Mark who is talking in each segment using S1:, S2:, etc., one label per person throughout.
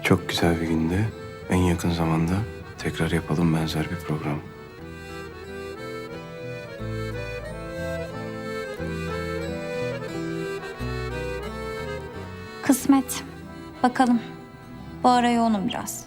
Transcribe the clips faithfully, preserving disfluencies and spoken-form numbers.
S1: Çok güzel bir günde, en yakın zamanda tekrar yapalım benzer bir program.
S2: Kısmet. Bakalım. Bu ara yoğunum biraz.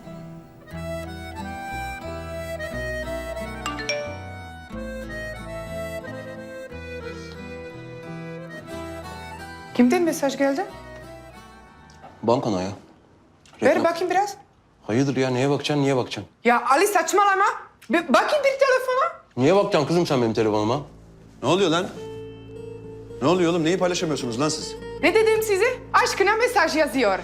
S3: Kimden mesaj geldi?
S1: Bankana ya.
S3: Ver bakayım biraz.
S1: Hayırdır ya, neye bakacaksın, niye bakacaksın?
S3: Ya Ali saçmalama. Bir bakayım bir telefona.
S1: Niye bakacaksın kızım sen benim telefonuma?
S4: Ne oluyor lan? Ne oluyor oğlum? Neyi paylaşamıyorsunuz lan siz?
S3: Ne dedim size? Aşkına mesaj yazıyor.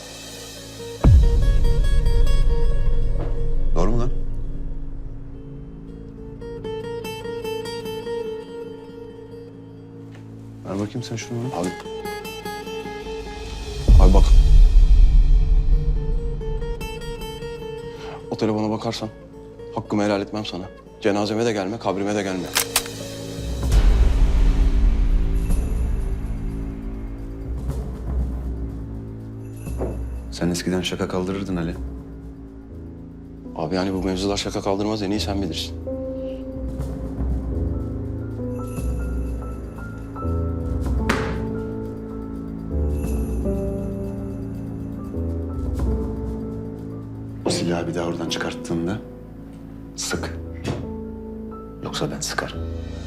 S4: Doğru mu lan? Ver bakayım sen şunu.
S1: Abi. Abi bak. O telefona bakarsan hakkımı helal etmem sana. Cenazeme de gelme, kabrime de gelme.
S4: Sen eskiden şaka kaldırırdın Ali.
S1: Abi yani bu mevzular şaka kaldırmaz, en iyi sen bilirsin.
S4: O silahı bir daha oradan çıkarttığında sık. Yoksa ben sıkarım.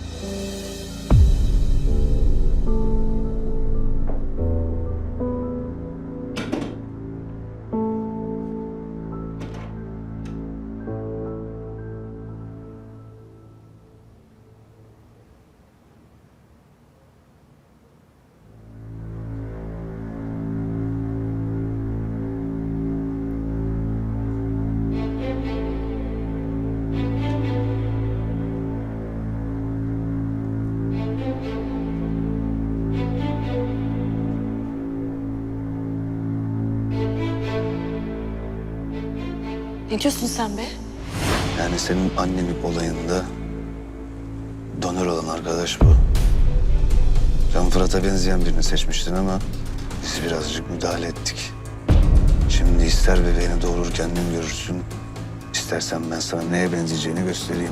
S5: Ne diyorsun sen be?
S4: Yani senin annenin olayında donör olan arkadaş bu. Sen Fırat'a benzeyen birini seçmiştin ama biz birazcık müdahale ettik. Şimdi ister bebeğini doğurur kendin görürsün, istersen ben sana neye benzeyeceğini göstereyim.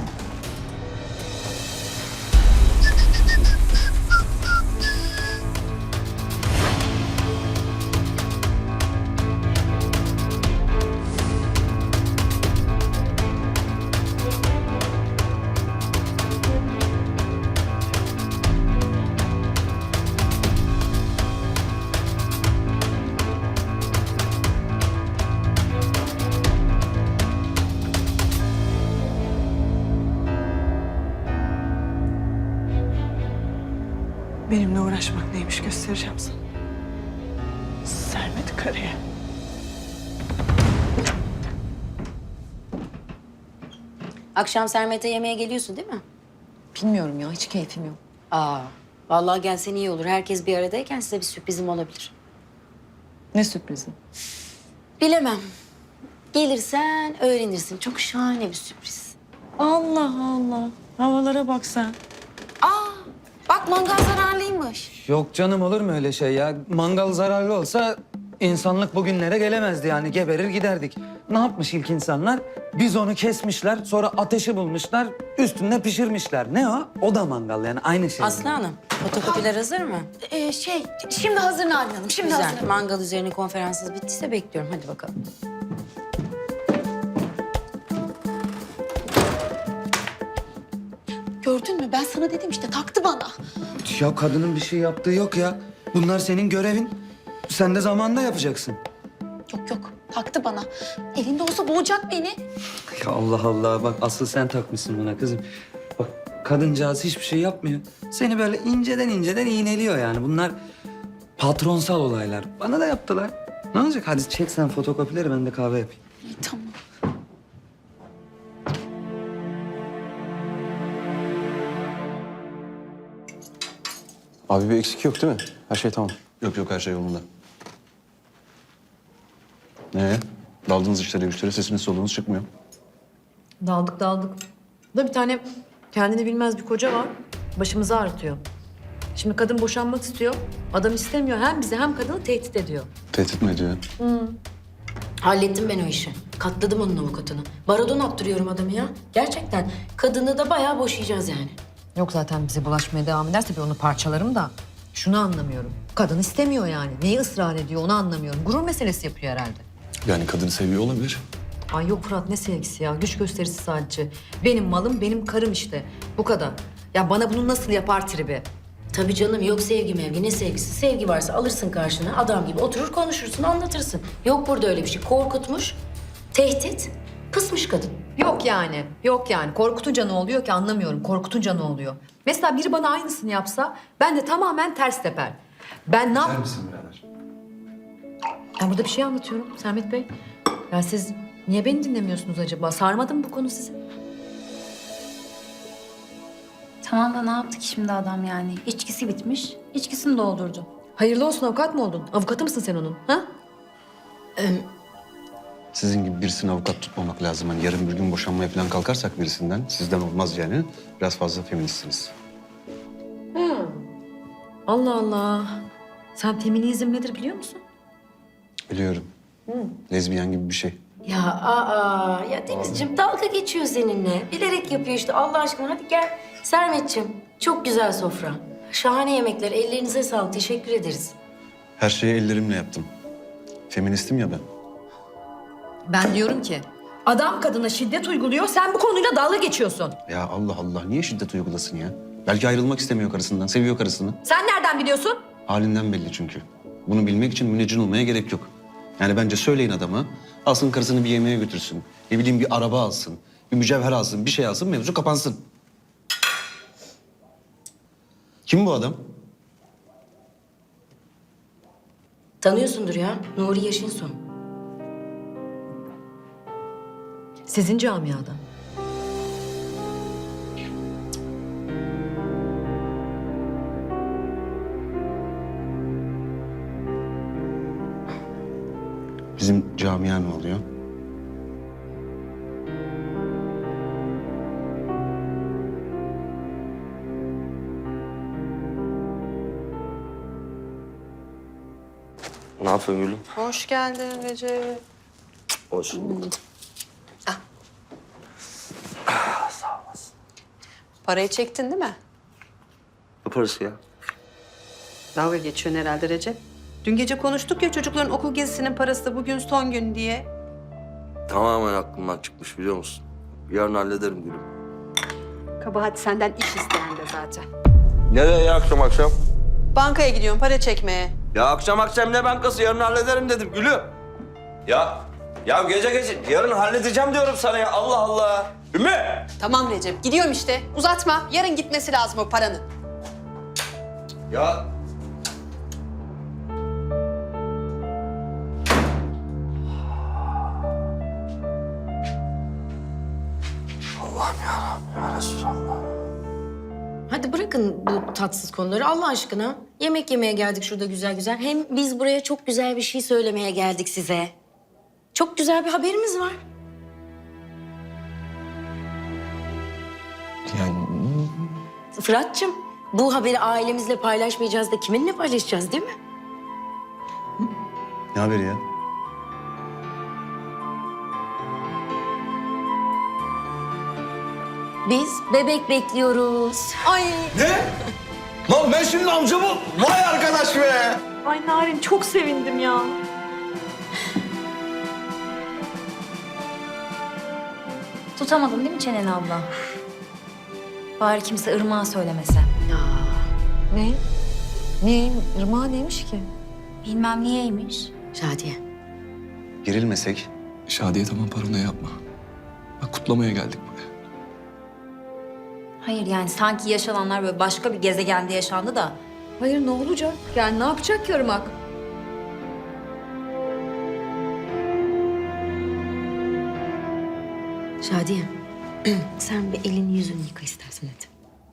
S5: Benimle uğraşmak neymiş göstereceğim sana. Sermet karıya.
S6: Akşam Sermet'e yemeğe geliyorsun değil mi?
S5: Bilmiyorum ya, hiç keyfim yok.
S6: Aa, vallahi gelsen iyi olur. Herkes bir aradayken size bir sürprizim olabilir.
S5: Ne sürprizi?
S6: Bilemem. Gelirsen öğrenirsin. Çok şahane bir sürpriz.
S5: Allah Allah. Havalara bak sen.
S6: Aa, bak mangal zararlıymış.
S7: Yok canım, olur mu öyle şey ya? Mangal zararlı olsa insanlık bugünlere gelemezdi yani. Geberir giderdik. Ne yapmış ilk insanlar? Biz onu kesmişler, sonra ateşi bulmuşlar, üstünde pişirmişler. Ne o? O da mangal yani, aynı şey.
S6: Aslı Hanım, fotokopiler hazır mı?
S8: Ee, şey, şimdi hazır Narin Hanım, şimdi
S6: Güzel.
S8: hazır.
S6: Mangal üzerine konferansınız bittiyse bekliyorum. Hadi bakalım.
S8: Gördün mü? Ben sana dedim işte, taktı bana.
S7: Ya kadının bir şey yaptığı yok ya. Bunlar senin görevin. Sen de zamanında yapacaksın.
S8: Yok yok, taktı bana. Elinde olsa boğacak beni.
S7: Ya Allah Allah, bak asıl sen takmışsın buna kızım. Bak kadıncağız hiçbir şey yapmıyor. Seni böyle inceden inceden iğneliyor yani. Bunlar patronsal olaylar. Bana da yaptılar. Ne olacak? Hadi çek sen fotokopileri, ben de kahve yapayım.
S8: İyi, tamam.
S1: Abi bir eksik yok değil mi? Her şey tamam.
S4: Yok yok her şey yolunda. Ne? Daldınız işlere güçlere sesiniz soluğunuz çıkmıyor.
S9: Daldık daldık. Da bir tane kendini bilmez bir koca var. Başımızı ağrıtıyor. Şimdi kadın boşanmak istiyor. Adam istemiyor. Hem bizi hem kadını tehdit ediyor.
S4: Tehdit mi ediyor?
S6: Hallettim ben o işi. Katladım onun avukatını. Baradon attırıyorum adamı ya. Gerçekten. Kadını da bayağı boşayacağız yani.
S9: Yok zaten bize bulaşmaya devam ederse bir onu parçalarım da. Şunu anlamıyorum. Kadın istemiyor yani. Neyi ısrar ediyor onu anlamıyorum. Gurur meselesi yapıyor herhalde.
S10: Yani kadını seviyor olabilir.
S9: Ay yok Fırat ne sevgisi ya. Güç gösterisi sadece. Benim malım benim karım işte. Bu kadar. Ya bana bunu nasıl yapar tribi?
S6: Tabii canım, yok sevgi mevgi, ne sevgisi? Sevgi varsa alırsın karşına, adam gibi oturur konuşursun, anlatırsın. Yok burada öyle bir şey. Korkutmuş, tehdit, kısmış kadın.
S9: Yok yani. Yok yani. Korkutunca ne oluyor ki anlamıyorum. Korkutunca ne oluyor? Mesela biri bana aynısını yapsa ben de tamamen ters teper. Ben ne yap...
S1: misin birader?
S9: Ben burada bir şey anlatıyorum Sermet Bey. Ya siz niye beni dinlemiyorsunuz acaba? Sarmadı mı bu konu sizi?
S2: Tamam da ne yaptı ki şimdi adam yani? İçkisi bitmiş, içkisini doldurdu.
S9: Hayırlı olsun avukat mı oldun? Avukatı mısın sen onun? Ha?
S4: Sizin gibi birisini avukat tutmamak lazım. Hani yarın bir gün boşanmaya falan kalkarsak birisinden, sizden olmaz yani. Biraz fazla feministsiniz.
S9: Allah Allah. Sen feminizm nedir biliyor musun?
S4: Biliyorum. Lezbiyen gibi bir şey.
S6: Ya aa, ya Denizciğim dalga geçiyor seninle. Bilerek yapıyor işte, Allah aşkına hadi gel. Sermetciğim, çok güzel sofra. Şahane yemekler, ellerinize sağlık, teşekkür ederiz.
S4: Her şeyi ellerimle yaptım. Feministim ya ben.
S9: Ben diyorum ki adam kadına şiddet uyguluyor. Sen bu konuyla dalga geçiyorsun.
S4: Ya Allah Allah, niye şiddet uygulasın ya? Belki ayrılmak istemiyor karısından, seviyor karısını.
S9: Sen nereden biliyorsun?
S4: Halinden belli çünkü. Bunu bilmek için müneccin olmaya gerek yok. Yani bence söyleyin adama, alsın karısını bir yemeğe götürsün. Ne bileyim bir araba alsın, bir mücevher alsın, bir şey alsın, mevzu kapansın. Kim bu adam?
S6: Tanıyorsundur ya, Nuri Yaşinson.
S9: Sizin camiada.
S4: Bizim camia ne oluyor?
S11: Ne yapıyorsun Gülüm?
S5: Hoş geldin Recep.
S11: Hoş bulduk.
S5: Parayı çektin değil mi?
S11: Ne parası ya?
S5: Dalga geçiyorsun herhalde Recep. Dün gece konuştuk ya çocukların okul gezisinin parası da bugün son gün diye.
S11: Tamamen aklımdan çıkmış biliyor musun? Yarın hallederim Gülüm.
S5: Kabahat senden iş isteyen de zaten.
S11: Nereye ya akşam akşam?
S5: Bankaya gidiyorum para çekmeye.
S11: Ya akşam akşam ne bankası? Yarın hallederim dedim Gülüm. Ya, ya gece gece yarın halledeceğim diyorum sana ya. Allah Allah. Ümmü!
S5: Tamam Recep gidiyorum işte. Uzatma. Yarın gitmesi lazım o paranın.
S11: Ya Allah'ım ya, ya Resulallah.
S6: Hadi bırakın bu tatsız konuları Allah aşkına. Yemek yemeye geldik şurada güzel güzel. Hem biz buraya çok güzel bir şey söylemeye geldik size. Çok güzel bir haberimiz var.
S10: Yani
S6: Fırat'cığım, bu haberi ailemizle paylaşmayacağız da kiminle paylaşacağız değil mi?
S4: Ne haberi ya?
S6: Biz bebek bekliyoruz.
S5: Ay,
S11: Ne? Lan ben şimdi amcamı... Vay arkadaş be!
S5: ay Narin çok sevindim ya.
S2: Tutamadın değil mi çeneni abla? Bari kimse Irmak'a söylemese.
S9: Ne? Niye? Irmağı neymiş ki?
S2: Bilmem niyeymiş.
S6: Şadiye.
S4: Gerilmesek.
S10: Şadiye tamam paranoya yapma. Bak kutlamaya geldik buraya.
S2: Hayır yani sanki yaşananlar böyle başka bir gezegende yaşandı da.
S9: Hayır ne olacak? Yani ne yapacak ki Irmak?
S6: Şadiye. Sen bir elini yüzünü yıka istersen hadi.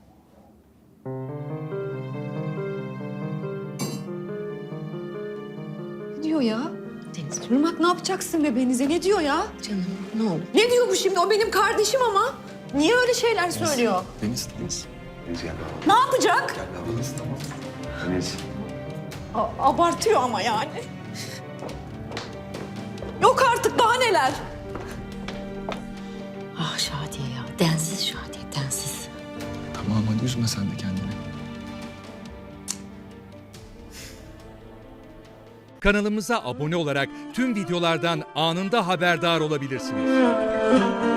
S9: Ne diyor ya?
S6: Deniz.
S9: Irmak ne yapacaksın bebeğinize? Ne diyor ya?
S6: Canım ne olur.
S9: Ne diyor bu şimdi? O benim kardeşim ama. Niye öyle şeyler söylüyor?
S10: Deniz, Deniz.
S4: Deniz gel.
S9: Ne yapacak?
S10: Gel be Deniz tamam.
S4: Deniz.
S9: A- abartıyor ama yani.
S6: Yok artık daha neler. Ah Şadiye ya. Densiz Şadiye, densiz.
S10: Tamam hadi üzme sen de kendini.
S12: Kanalımıza abone olarak tüm videolardan anında haberdar olabilirsiniz.